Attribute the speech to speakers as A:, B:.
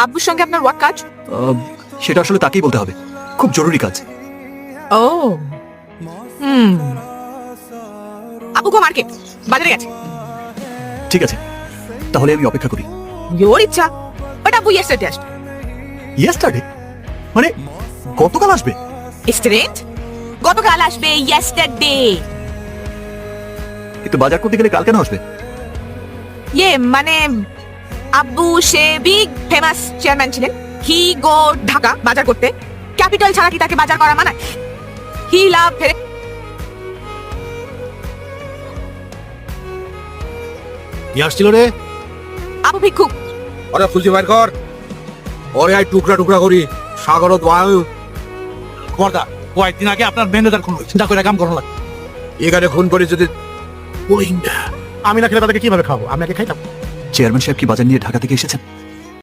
A: আব্বুর সঙ্গে আপনার ওয়ার্ক কাজ?
B: সেটা আসলে তাকেই বলতে হবে, খুব জরুরি কাজ।
A: ও আব্বু গো মার্কেট, বাজারে গেছে।
B: ঠিক আছে, তাহলে আমি অপেক্ষা করি।
A: ওর ইচ্ছা, বাট আব্বু ইয়েস্টারডে আসবে।
B: ইয়েস্টারডে মানে গতকাল আসবে?
A: স্টুডেন্ট, গতকাল আসবে, ইয়েস্টারডে।
B: কিন্তু বাজার করতে গেলে কাল কেন আসবে?
A: মানে আব্বু সে বিগ ফেমাস চেয়ারম্যান ছিলেন। হি গো ঢাকা বাজার করতে। ক্যাপিটাল ছাড়া কি তাকে বাজার করা মানায়? হি লাভ ফেরে।
C: কি আসছিল রে?
A: আবু ভিক্ষুক।
C: ওরে খুঁজে বাইর কর, ওরে আই টুকরা টুকরা করি সাগরত বায়ু।
D: বর্দা, কয়েকদিন আগে আপনার ম্যানেজার খুন চিন্তা করে কাম করা লাগে।
C: এখানে খুন করে যদি
D: আমি না খেলে তাদেরকে কিভাবে খাবো? আমি আগে খাইতাম।
B: চেয়ারম্যান সাহেব কি বাজার নিয়ে ঢাকা থেকে এসেছেন?